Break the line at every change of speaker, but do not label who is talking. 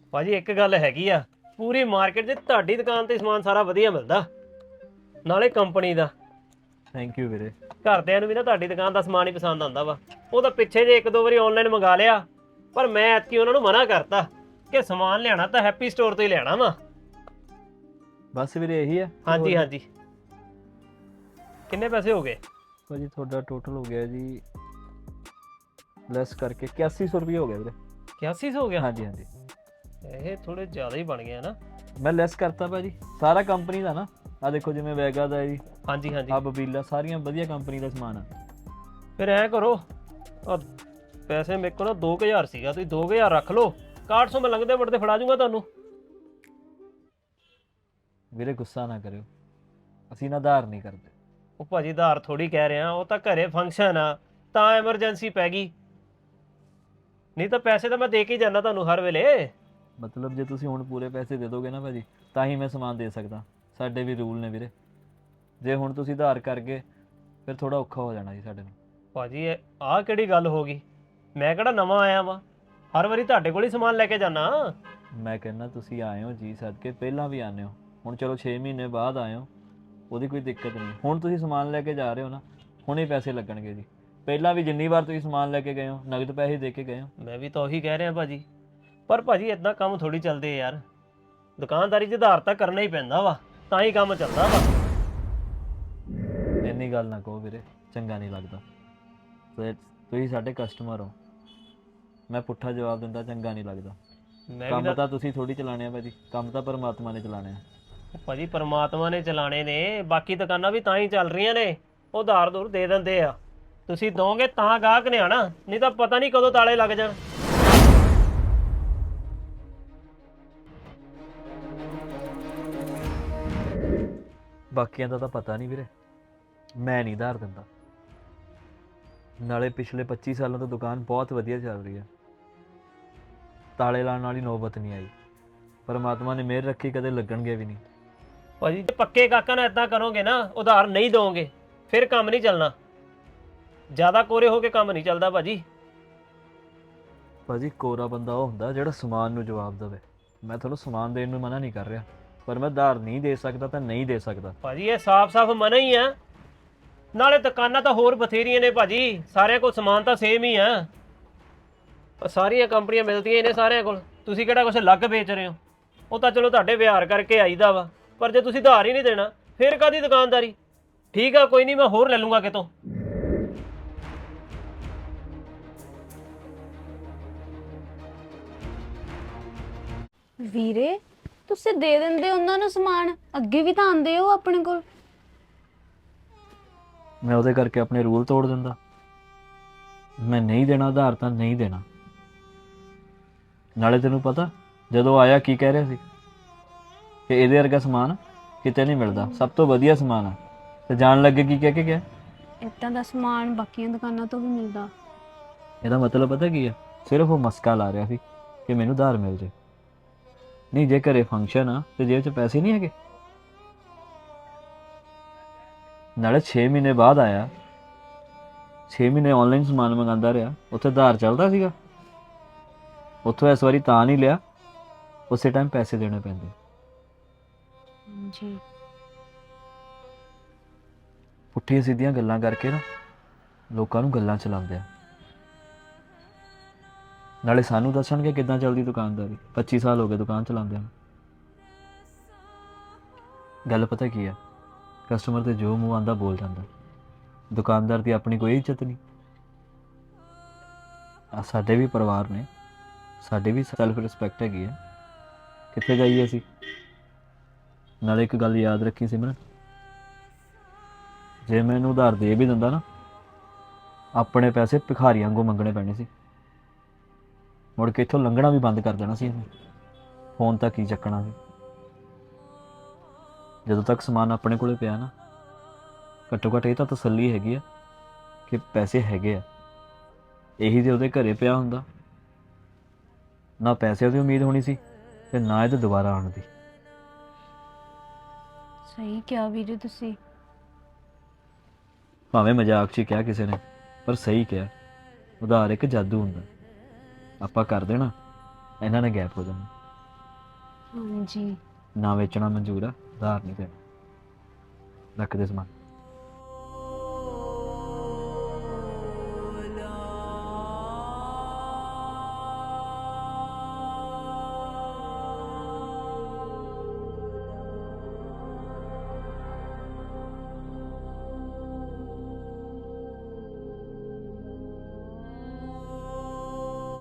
ਭਾਜੀ ਇੱਕ ਗੱਲ ਹੈਗੀ ਆ, ਪੂਰੀ ਮਾਰਕੀਟ 'ਚ ਤੁਹਾਡੀ ਦੁਕਾਨ ਤੇ ਸਮਾਨ ਸਾਰਾ ਵਧੀਆ ਮਿਲਦਾ, ਨਾਲੇ ਕੰਪਨੀ ਦਾ।
ਥੈਂਕ ਯੂ ਵੀਰੇ।
ਘਰਦਿਆਂ ਨੂੰ ਵੀ ਨਾ ਤੁਹਾਡੀ ਦੁਕਾਨ ਦਾ ਸਮਾਨ ਹੀ ਪਸੰਦ ਆਉਂਦਾ ਵਾ। ਉਹ ਤਾਂ ਪਿੱਛੇ ਜੇ ਇੱਕ ਦੋ ਵਾਰੀ ਆਨਲਾਈਨ ਮੰਗਾ ਲਿਆ, ਪਰ ਮੈਂ ਐਤਕੀ ਉਹਨਾਂ ਨੂੰ ਮਨਾ ਕਰਤਾ ਕਿ ਸਮਾਨ ਲਿਆਣਾ ਤਾਂ ਹੈਪੀ ਸਟੋਰ ਤੋਂ ਹੀ ਲੈਣਾ ਵਾ।
ਬਸ ਵੀਰੇ ਇਹੀ ਹੈ?
ਹਾਂਜੀ ਹਾਂਜੀ। ਕਿੰਨੇ ਪੈਸੇ ਹੋ ਗਏ
ਭਾਜੀ ਤੁਹਾਡਾ ਟੋਟਲ ਹੋ ਗਿਆ ਜੀ, ਲੈਸ ਕਰਕੇ 8100 ਰੁਪਏ ਹੋ ਗਿਆ ਵੀਰੇ।
8100 ਹੋ ਗਿਆ?
ਹਾਂਜੀ ਹਾਂਜੀ।
ਇਹ ਥੋੜੇ ਜ਼ਿਆਦਾ ਹੀ ਬਣ ਗਏ ਨਾ।
ਮੈਂ ਲੈਸ ਕਰਤਾ ਭਾਜੀ, ਸਾਰਾ ਕੰਪਨੀ ਦਾ ਨਾ। ਆ ਦੇਖੋ ਜਿਵੇਂ ਵੈਗਾ ਦਾ ਜੀ,
ਹਾਂਜੀ ਹਾਂਜੀ।
ਆ ਬਬੀਲਾ, ਸਾਰੀਆਂ ਵਧੀਆ ਕੰਪਨੀ ਦਾ ਸਮਾਨ ਆ।
ਫਿਰ ਐਂ ਕਰੋ, ਪੈਸੇ ਮੇਰੇ ਕੋਲ ਨਾ 2000 ਸੀਗਾ, ਤੁਸੀਂ 2000 ਰੱਖ ਲਓ, 6100 ਮੈਂ ਲੰਘਦੇ ਵੜਦੇ ਫੜਾ ਜੂੰਗਾ ਤੁਹਾਨੂੰ।
ਵੀਰੇ ਗੁੱਸਾ ਨਾ ਕਰਿਓ, ਅਸੀਂ ਨਾ ਉਧਾਰ ਨਹੀਂ ਕਰਦੇ।
ਉਹ ਭਾਜੀ ਉਧਾਰ ਥੋੜੀ ਕਹਿ ਰਿਹਾ, ਉਹ ਤਾਂ ਘਰੇ ਫੰਕਸ਼ਨ ਆ ਤਾਂ ਐਮਰਜੈਂਸੀ ਪੈ ਗਈ, ਨਹੀਂ ਤਾਂ ਪੈਸੇ ਤਾਂ ਮੈਂ ਦੇ ਕੇ ਹੀ ਜਾਂਦਾ ਤੁਹਾਨੂੰ ਹਰ ਵੇਲੇ।
ਮਤਲਬ ਜੇ ਤੁਸੀਂ ਹੁਣ ਪੂਰੇ ਪੈਸੇ ਦੇ ਦੋਗੇ ਨਾ ਭਾਜੀ, ਤਾਂ ਹੀ ਮੈਂ ਸਮਾਨ ਦੇ ਸਕਦਾ। ਸਾਡੇ ਵੀ ਰੂਲ ਨੇ ਵੀਰੇ, ਜੇ ਹੁਣ ਤੁਸੀਂ ਉਧਾਰ ਕਰ ਗਏ ਫਿਰ ਥੋੜਾ ਔਖਾ ਹੋ ਜਾਣਾ ਜੀ ਸਾਡੇ ਨੂੰ।
ਭਾਜੀ ਆਹ ਕਿਹੜੀ ਗੱਲ ਹੋ ਗਈ? ਮੈਂ ਕਿਹੜਾ ਨਵਾਂ ਆਇਆ ਵਾਂ, ਹਰ ਵਾਰੀ ਤੁਹਾਡੇ ਕੋਲ ਹੀ ਸਮਾਨ ਲੈ ਕੇ ਜਾਣਾ।
ਮੈਂ ਕਹਿੰਦਾ ਤੁਸੀਂ ਆਏ ਹੋ ਜੀ ਸਦਕੇ, ਪਹਿਲਾਂ ਵੀ ਆਉਂਦੇ ਹੋ, ਹੁਣ ਚਲੋ 6 ਮਹੀਨੇ ਬਾਅਦ ਆਏ ਹੋ, ਉਹਦੀ ਕੋਈ ਦਿੱਕਤ ਨਹੀਂ। ਹੁਣ ਤੁਸੀਂ ਸਮਾਨ ਲੈ ਕੇ ਜਾ ਰਹੇ ਹੋ ਨਾ, ਹੁਣੇ ਪੈਸੇ ਲੱਗਣਗੇ ਜੀ। ਪਹਿਲਾਂ ਵੀ ਜਿੰਨੀ ਵਾਰ ਤੁਸੀਂ ਸਮਾਨ ਲੈ ਕੇ ਗਏ ਹੋ, ਨਗਦ ਪੈਸੇ ਦੇ ਕੇ ਗਏ ਹੋ।
ਮੈਂ ਵੀ ਤਾਂ ਉਹੀ ਕਹਿ ਰਿਹਾ ਭਾਜੀ, ਪਰ ਭਾਜੀ ਇਦਾਂ ਕੰਮ ਥੋੜੀ ਚੱਲਦੇ ਯਾਰ। ਦੁਕਾਨਦਾਰੀ 'ਚ ਉਧਾਰ ਤਾਂ ਕਰਨਾ ਹੀ ਪੈਂਦਾ ਵਾ, ਤਾਂ ਹੀ ਕੰਮ ਚੱਲਦਾ ਵਾ।
ਇੰਨੀ ਗੱਲ ਨਾ ਕਹੋ ਵੀਰੇ, ਚੰਗਾ ਨਹੀਂ ਲੱਗਦਾ। ਤੁਸੀਂ ਸਾਡੇ ਕਸਟਮਰ ਹੋ, ਮੈਂ ਪੁੱਠਾ ਜਵਾਬ ਦਿੰਦਾ ਚੰਗਾ ਨਹੀਂ ਲੱਗਦਾ।
ਮੈਂ ਵੀ
ਕੰਮ ਤਾਂ ਤੁਸੀਂ ਥੋੜੀ ਚਲਾਣੇ ਆ ਭਾਜੀ, ਕੰਮ ਤਾਂ ਪਰਮਾਤਮਾ ਨੇ ਚਲਾਣੇ ਆ।
ਭਾਜੀ ਪਰਮਾਤਮਾ ਨੇ ਚਲਾਣੇ ਨੇ, ਬਾਕੀ ਦੁਕਾਨਾਂ ਵੀ ਤਾਂ ਹੀ ਚੱਲ ਰਹੀਆਂ ਨੇ, ਉਧਾਰ ਦੂਰ ਦੇ ਦਿੰਦੇ ਆ। ਤੁਸੀਂ ਦੋਗੇ ਤਾਂ ਗਾਹਕ ਨੇ ਆਣਾ, ਨਹੀਂ ਤਾਂ ਪਤਾ ਨਹੀਂ ਕਦੋਂ ਤਾਲੇ ਲੱਗ ਜਾਣ।
ਬਾਕੀਆਂ ਦਾ ਤਾਂ ਪਤਾ ਨਹੀਂ ਵੀਰੇ, ਮੈਂ ਨਹੀਂ ਉਧਾਰ ਦਿੰਦਾ। ਨਾਲੇ ਪਿਛਲੇ 25 ਸਾਲਾਂ ਤੋਂ ਦੁਕਾਨ ਬਹੁਤ ਵਧੀਆ ਚੱਲ ਰਹੀ ਹੈ, ਤਾਲੇ ਲਾਉਣ ਵਾਲੀ ਨੌਬਤ ਨਹੀਂ ਆਈ। ਪਰਮਾਤਮਾ ਨੇ ਮਿਹਰ ਰੱਖੀ, ਕਦੇ ਲੱਗਣਗੇ ਵੀ ਨਹੀਂ।
ਭਾਜੀ ਜੇ ਪੱਕੇ ਗਾਹਕਾਂ ਨਾਲ ਇਦਾਂ ਕਰੋਗੇ ਨਾ, ਉਧਾਰ ਨਹੀਂ ਦੋਗੇ, ਫਿਰ ਕੰਮ ਨਹੀਂ ਚੱਲਣਾ। ਜ਼ਿਆਦਾ ਕੋਰੇ ਹੋ ਕੇ ਕੰਮ ਨਹੀਂ ਚੱਲਦਾ ਭਾਜੀ।
ਭਾਜੀ ਕੋਰਾ ਬੰਦਾ ਉਹ ਹੁੰਦਾ ਜਿਹੜਾ ਸਮਾਨ ਨੂੰ ਜਵਾਬ ਦੇਵੇ। ਮੈਂ ਤੁਹਾਨੂੰ ਸਮਾਨ ਦੇਣ ਨੂੰ ਮਨਾ ਨਹੀਂ ਕਰ ਰਿਹਾ, ਪਰ ਮੈਂ ਉਧਾਰ ਨਹੀਂ ਦੇ ਸਕਦਾ ਤਾਂ ਨਹੀਂ ਦੇ ਸਕਦਾ।
ਭਾਜੀ ਇਹ ਸਾਫ਼-ਸਾਫ਼ ਮਨਾ ਹੀ ਆ। ਨਾਲੇ ਦੁਕਾਨਾਂ ਤਾਂ ਹੋਰ ਬਥੇਰੀਆਂ ਨੇ ਭਾਜੀ, ਸਾਰਿਆਂ ਕੋਲ ਸਮਾਨ ਤਾਂ ਸੇਮ ਹੀ ਆ। ਸਾਰੀਆਂ ਕੰਪਨੀਆਂ ਮਿਲਦੀਆਂ ਹੀ ਨੇ ਸਾਰਿਆਂ ਕੋਲ, ਤੁਸੀਂ ਕਿਹੜਾ ਕੁਛ ਅਲੱਗ ਵੇਚ ਰਹੇ ਹੋ? ਉਹ ਤਾਂ ਚਲੋ ਤੁਹਾਡੇ ਵਿਹਾਰ ਕਰਕੇ ਆਈਦਾ ਵਾ, ਪਰ ਜੇ ਤੁਸੀਂ ਉਧਾਰ ਹੀ ਨਹੀਂ ਦੇਣਾ ਫਿਰ ਕਾਹਦੀ ਦੁਕਾਨਦਾਰੀ? ਠੀਕ ਆ, ਕੋਈ ਨਹੀਂ, ਮੈਂ ਹੋਰ ਲੈ ਲੂੰਗਾ ਕਿਤੋਂ।
ਵੀਰੇ ਤੁਸੀਂ ਦੇ ਦਿੰਦੇ ਉਹਨਾਂ ਨੂੰ ਸਮਾਨ, ਅੱਗੇ ਵੀ ਤਾਂ ਆਉਂਦੇ ਹੋ ਆਪਣੇ ਕੋਲ।
ਮੈਂ ਉਹਦੇ ਕਰਕੇ ਆਪਣੇ ਰੂਲ ਤੋੜ ਦਿੰਦਾ? ਮੈਂ ਨਹੀਂ ਦੇਣਾ ਉਧਾਰ ਤਾਂ ਨਹੀਂ ਦੇਣਾ। ਨਾਲੇ ਤੈਨੂੰ ਪਤਾ ਜਦੋਂ ਆਇਆ ਕੀ ਕਹਿ ਰਿਹਾ ਸੀ ਕਿ ਇਹਦੇ ਵਰਗਾ ਸਮਾਨ ਕਿਤੇ ਨਹੀਂ ਮਿਲਦਾ, ਸਭ ਤੋਂ ਵਧੀਆ ਸਮਾਨ ਆ। ਤੇ ਜਾਣ ਲੱਗੇ ਕੀ ਕਹਿ ਕੇ ਗਿਆ?
ਇੱਦਾਂ ਦਾ ਸਮਾਨ ਬਾਕੀਆਂ ਦੁਕਾਨਾਂ ਤੋਂ ਵੀ ਮਿਲਦਾ।
ਇਹਦਾ ਮਤਲਬ ਪਤਾ ਕੀ ਆ? ਸਿਰਫ ਉਹ ਮਸਕਾ ਲਾ ਰਿਹਾ ਸੀ ਕਿ ਮੈਨੂੰ ਉਧਾਰ ਮਿਲ ਜੇ। ਨਹੀਂ, ਜੇ ਘਰੇ ਫੰਕਸ਼ਨ ਆ ਤੇ ਜੇਬ 'ਚ ਪੈਸੇ ਨਹੀਂ ਹੈਗੇ। ਨਾਲੇ 6 ਮਹੀਨੇ ਬਾਅਦ ਆਇਆ, 6 ਮਹੀਨੇ ਆਨਲਾਈਨ ਸਮਾਨ ਮੰਗਾਉਂਦਾ ਰਿਹਾ, ਉੱਥੇ ਉਧਾਰ ਚੱਲਦਾ ਸੀਗਾ? ਉੱਥੋਂ ਇਸ ਵਾਰੀ ਤਾਂ ਨਹੀਂ ਲਿਆ, ਉਸੇ ਟਾਈਮ ਪੈਸੇ ਦੇਣੇ ਪੈਂਦੇ।
ਜੀ
ਪੁੱਠੀਆਂ ਸਿੱਧੀਆਂ ਗੱਲਾਂ ਕਰਕੇ ਨਾ ਲੋਕਾਂ ਨੂੰ ਗੱਲਾਂ ਚਲਾਉਂਦੇ ਆ। ਨਾਲੇ ਸਾਨੂੰ ਦੱਸਣਗੇ ਕਿੱਦਾਂ ਚੱਲਦੀ ਦੁਕਾਨਦਾਰੀ। 25 ਸਾਲ ਹੋ ਗਏ ਦੁਕਾਨ ਚਲਾਉਂਦਿਆਂ ਨੂੰ। ਗੱਲ ਪਤਾ ਕੀ ਆ, ਕਸਟਮਰ ਤੇ ਜੋ ਮੂੰਹ ਆਉਂਦਾ ਬੋਲ ਜਾਂਦਾ। ਦੁਕਾਨਦਾਰ ਦੀ ਆਪਣੀ ਕੋਈ ਇੱਜ਼ਤ ਨਹੀਂ। ਸਾਡੇ ਵੀ ਪਰਿਵਾਰ ਨੇ, ਸਾਡੀ ਵੀ ਸੈਲਫ ਰਿਸਪੈਕਟ ਹੈਗੀ ਆ, ਕਿੱਥੇ ਜਾਈਏ ਅਸੀਂ? ਨਾਲੇ ਇੱਕ ਗੱਲ ਯਾਦ ਰੱਖੀ ਸਿਮਰਨ, ਜੇ ਮੈਂ ਇਹਨੂੰ ਉਧਾਰ ਦੇ ਵੀ ਦਿੰਦਾ ਨਾ, ਆਪਣੇ ਪੈਸੇ ਭਿਖਾਰੀਆਂ ਵਾਂਗੂ ਮੰਗਣੇ ਪੈਣੇ ਸੀ। ਮੁੜ ਕੇ ਇੱਥੋਂ ਲੰਘਣਾ ਵੀ ਬੰਦ ਕਰ ਦੇਣਾ ਸੀ ਇਹਨੂੰ। ਫੋਨ ਤੱਕ ਹੀ ਚੱਕਣਾ ਸੀ। ਜਦੋਂ ਤੱਕ ਸਮਾਨ ਆਪਣੇ ਕੋਲੇ ਪਿਆ ਨਾ, ਘੱਟੋ ਘੱਟ ਇਹ ਤਾਂ ਤਸੱਲੀ ਹੈਗੀ ਆ ਕਿ ਪੈਸੇ ਹੈਗੇ ਆ। ਇਹੀ ਜੇ ਉਹਦੇ ਘਰੇ ਪਿਆ ਹੁੰਦਾ, ਨਾ ਪੈਸਿਆਂ ਦੀ ਉਮੀਦ ਹੋਣੀ ਸੀ ਤੇ ਨਾ ਇਹਦੇ ਦੁਬਾਰਾ ਆਉਣ ਦੀ।
ਸਹੀ ਕਿਹਾ ਵੀਰੇ ਤੁਸੀਂ।
ਭਾਵੇਂ ਮਜ਼ਾਕ 'ਚ ਹੀ ਕਿਹਾ ਕਿਸੇ ਨੇ, ਪਰ ਸਹੀ ਕਿਹਾ। ਉਧਾਰ ਇੱਕ ਜਾਦੂ ਹੁੰਦਾ, ਆਪਾਂ ਕਰ ਦੇਣਾ, ਇਹਨਾਂ ਨੇ ਗਾਇਬ ਹੋ ਜਾਣਾ।
ਹਾਂਜੀ
ਨਾ ਵੇਚਣਾ ਮਨਜ਼ੂਰ ਆ, ਉਧਾਰ ਨਹੀਂ ਦੇਣਾ। ਰੱਖ ਦੇ ਸਮਾਨ।